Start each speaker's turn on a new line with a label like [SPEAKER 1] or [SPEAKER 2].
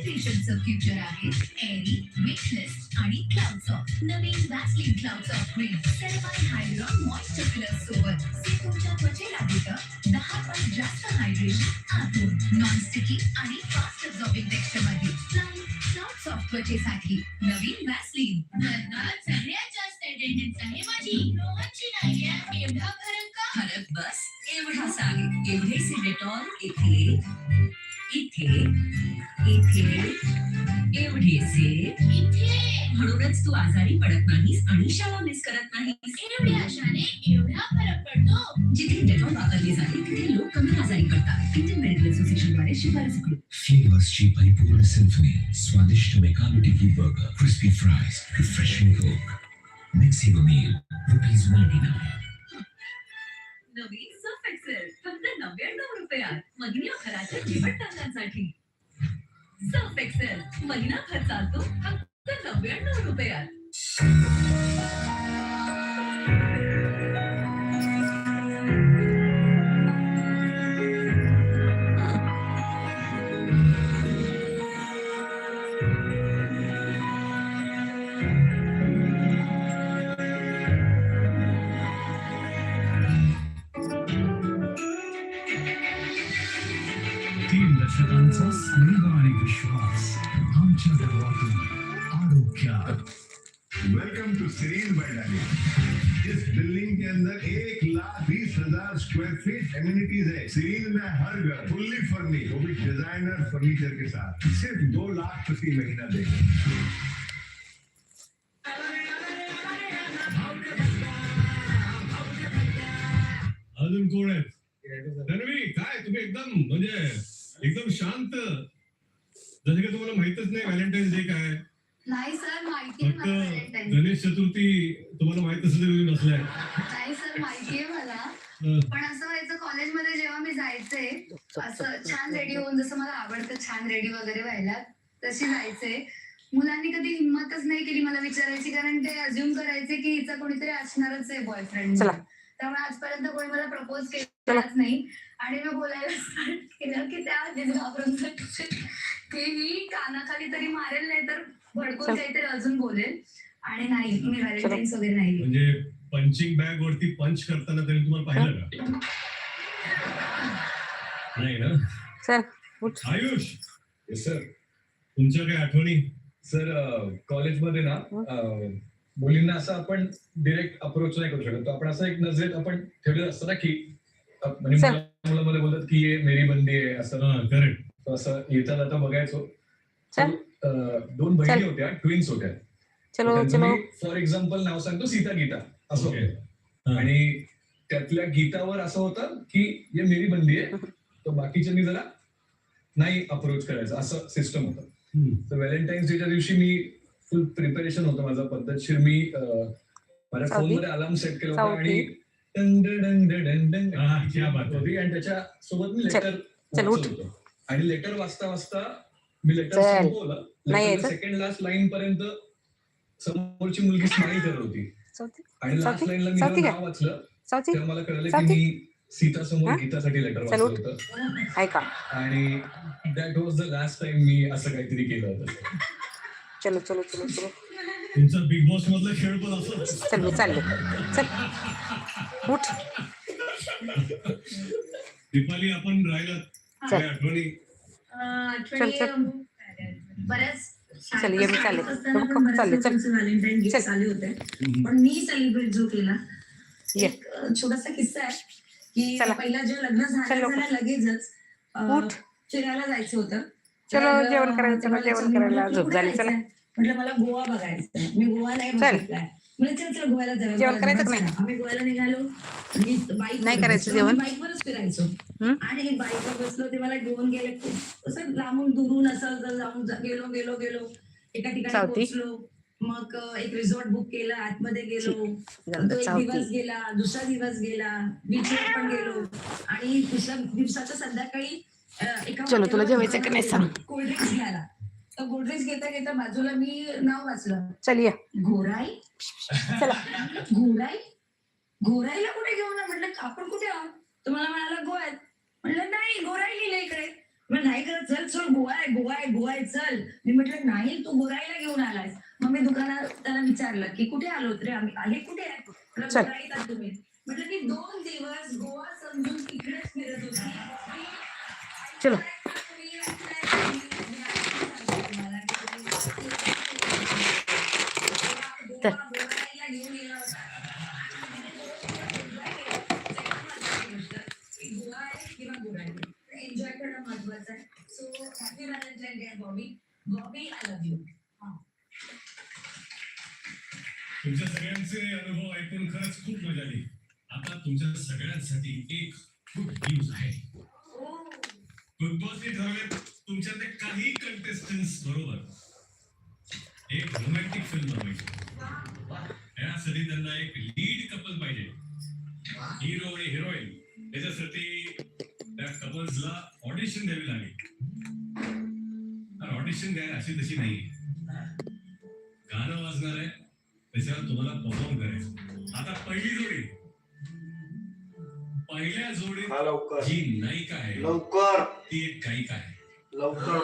[SPEAKER 1] रिलॅक्सेशनचं future आहे airy, weightless आणि cloud soft. नवीन Vaseline cloud soft cream ceramide hydron moisture plus सोबत जे तुमच्या त्वचेला देतं 10 पट जास्त हायड्रेशन आतून. नॉन स्टिकी आणि फास्ट अब्सॉर्बिंग टेक्स्चर मध्ये क्लाउड सॉफ्ट त्वचेसाठी नवीन वॅसलीन. सगळ्यात जास्त अटेंडन्स आहे माझी रोहनची नाही आहे. एवढा फरक का? फरक बस एवढाच आहे. एवढेसे डेटॉल इथे इथे इथे एवढेसे इथे. म्हणूनच तू आजारी पडत नाहीस आणि शाळा मिस करत नाहीस. एवढ्या आशाने एवढा फरक पडतो. जिथे डेटॉल वापरले जाते तिथे लोक कमी आजारी पडतात. इंडियन मेडिकल असोसिएशनद्वारे शिफारस करू. फ्लेवर्सची परिपूर्ण सिम्फनी. स्वादिष्ट McAloo tikki burger, crispy fries, refreshing Coke. Mixing a meal ₹99. नवीन सर्फ एक्सेल फक्त ₹99 महिन्याभराच्या जेवण तासांसाठी. सर्फ एक्सेल महिनाभर चालतो फक्त ₹99.
[SPEAKER 2] दशकांचा स्नेह आणि विश्वास आमच्या गावातून आरोग्यात.
[SPEAKER 3] Welcome to Serene by Daniel. इस बिल्डिंग के अंदर 1,20,000 स्क्वायर फीट एमिनिटीज है. सीरीन में हर घर फुल्ली फर्निश, वो भी डिजाइनर फर्नीचर के साथ. सिर्फ 2 लाख प्रति महीना देंगे.
[SPEAKER 4] अजून कोण आहेत? रणवी, काय तुम्ही एकदम शांत, जसं की तुम्हाला माहितच नाही व्हॅलेंटाईन्स डे काय.
[SPEAKER 5] नाही सर, माहिती आहे
[SPEAKER 4] फक्त
[SPEAKER 5] मला व्हॅलेंटाईन.
[SPEAKER 4] गणेश चतुर्थी तुम्हाला माहित असेल तरी तुम्ही नसलाय.
[SPEAKER 5] नाही सर, माहिती आहे मला. पण असं व्हायचं कॉलेजमध्ये जेव्हा मी जायचे असं छान रेडी होऊन, जसं मला आवडतं छान रेडी वगैरे व्हायला, तशी जायचे. मुलांनी कधी हिंमतच नाही केली मला विचारायची, कारण ते अज्युम करायचे की हिचा कोणीतरी असणारच आहे बॉयफ्रेंड. त्यामुळे आजपर्यंत कोणी मला प्रपोज केलाच नाही. आणि मी बोलायला स्टार्ट केलं की त्या आधीच घाबरून की ही कानाखाली तरी मारेल, नाही तर भडकून काहीतरी अजून बोलेल. आणि नाही, मी व्हॅलेंटाईन्स वगैरे नाही.
[SPEAKER 4] म्हणजे पंचिंग बॅग वरती पंच करताना तरी तुम्हाला पाहिलं का? नाही ना सर. आयुष,
[SPEAKER 3] सर
[SPEAKER 4] तुमच्या काय आठवणी?
[SPEAKER 3] सर कॉलेजमध्ये ना मुलींना असं आपण डिरेक्ट अप्रोच नाही करू शकत. आपण असं एक नजरेत आपण ठेवलेलं असतं ना की म्हणजे मुलं मला बोलतात की ये मेरी बंदी आहे असं.
[SPEAKER 4] करेक्ट.
[SPEAKER 3] असं येता जाता बघायचो. 2 बहिणी होत्या, ट्विन्स होत्या. फॉर एक्झाम्पल नाव सांगतो, सीता गीता असं होतं. आणि त्यातल्या गीतावर असं होतं की ये मेरी बंदी आहे, तर बाकीच्यांनी जरा नाही अप्रोच करायचं, असं सिस्टम होतं. तर व्हॅलेंटाईन्स डेच्या दिवशी मी फुल प्रिपरेशन होतं माझं पद्धतशीर. मी माझ्या फोनमध्ये अलार्म सेट केला होता आणि आणि त्याच्या सोबत मी लेटर वाचत होतो. आणि लेटर वाचता वाचता मी लेटर संपवलं. सेकंड लास्ट लाईन पर्यंत समोरची मुलगी स्माइल करत होती. आणि लास्ट लाईनला मी नाव वाचलं, तेव्हा मला कळलं की मी सीता समोर गीतासाठी लेटर वाचलं होतं. आणि that was the last time मी असं काहीतरी केलं होतं.
[SPEAKER 6] चलो चलो चलो चलो.
[SPEAKER 4] तुमचा बिग बॉस मधला खेळ पण असं.
[SPEAKER 6] चल मी चालले. चल उठ.
[SPEAKER 4] दीपाली, आपण राहिलात काय आठवणी?
[SPEAKER 5] बऱ्याच
[SPEAKER 6] चल ये मी चालले. चालले चल.
[SPEAKER 5] व्हॅलेंटाईन गिफ्ट आले होते, पण मी सेलिब्रेट जो केला, एक छोटासा किस्सा आहे की पहिला जे लग्न झाल्या लगेचच फिरायला जायचं होतं.
[SPEAKER 6] चलो जेवण करायचं. जेवण करायला झोप झाली. चला
[SPEAKER 5] म्हटलं मला गोवा बघायचा, मी गोवा नाही बघितलाय. म्हणजे चल गोव्याला जाऊया.
[SPEAKER 6] जेवण करायचं नाही.
[SPEAKER 5] आम्ही गोव्याला निघालो. बाईक
[SPEAKER 6] नाही करायचं जेवण.
[SPEAKER 5] बाईकवरच फिरायचो. आणि बाईकवर बसलो ते मला घेऊन गेले. असं लांबून दुरून असं जाऊन गेलो एका ठिकाणी पोहोचलो. मग एक रिसॉर्ट बुक केला, आतमध्ये गेलो. तो एक दिवस गेला, दुसरा दिवस गेला, बीचवर पण गेलो. आणि दुसऱ्या दिवसाच्या संध्याकाळी
[SPEAKER 6] चलो तुला जेवायचं का नाही सांग.
[SPEAKER 5] कोल्ड्रिंक्स घ्यायला. तर कोल्ड्रिंक्स घेता घेता बाजूला मी नाव वाचलं.
[SPEAKER 6] चल या.
[SPEAKER 5] घोराई.
[SPEAKER 6] चला.
[SPEAKER 5] घोराईला कुठे घेऊन? म्हटलं आपण कुठे आहोत? तुम्हाला म्हणाला गोव्यात. म्हटलं नाही, घोराई लिहिलं इकडे. नाही करत, चल गोवा आहे.
[SPEAKER 1] गोवाय चल. मी म्हटलं नाही, तू गोराईला घेऊन आलायस. मग मी दुकानात त्याला विचारलं की कुठे आलो रे आम्ही, हे कुठे आहे?
[SPEAKER 6] चल.
[SPEAKER 1] गोराईत आहात तुम्ही. म्हटलं की 2 दिवस गोवा समजून इकडेच फिरत होती.
[SPEAKER 6] चलो. चल.
[SPEAKER 1] एन्जॉय करणं महत्वाचं आहे. So happy Valentine day Bobby. Bobby I love you.
[SPEAKER 4] तुमच्या सगळ्यांचे अनुभव ऐकून खरंच खूप मजा आली. आता तुमच्या सगळ्यांसाठी एक गुड न्यूज आहे. बिग बॉसने ठरवले तुमच्यातले काही कंटेस्टंट्स बरोबर एक रोमॅन्टिक फिल्म बनवायची. यासाठी त्यांना एक लीड कपल पाहिजे, हिरो आणि हिरोईन. त्याच्यासाठी त्या कपल्सला ऑडिशन द्यावी लागेल. ऑडिशन द्यायला अशी तशी नाही, गाणं वाजणार आहे, त्याच्यावर तुम्हाला परफॉर्म करायचं. आता पहिली जोडी, पहिल्या जोडीत जी नायिका आहे
[SPEAKER 7] लवकर
[SPEAKER 4] ती एक गायिका आहे.
[SPEAKER 7] लवकर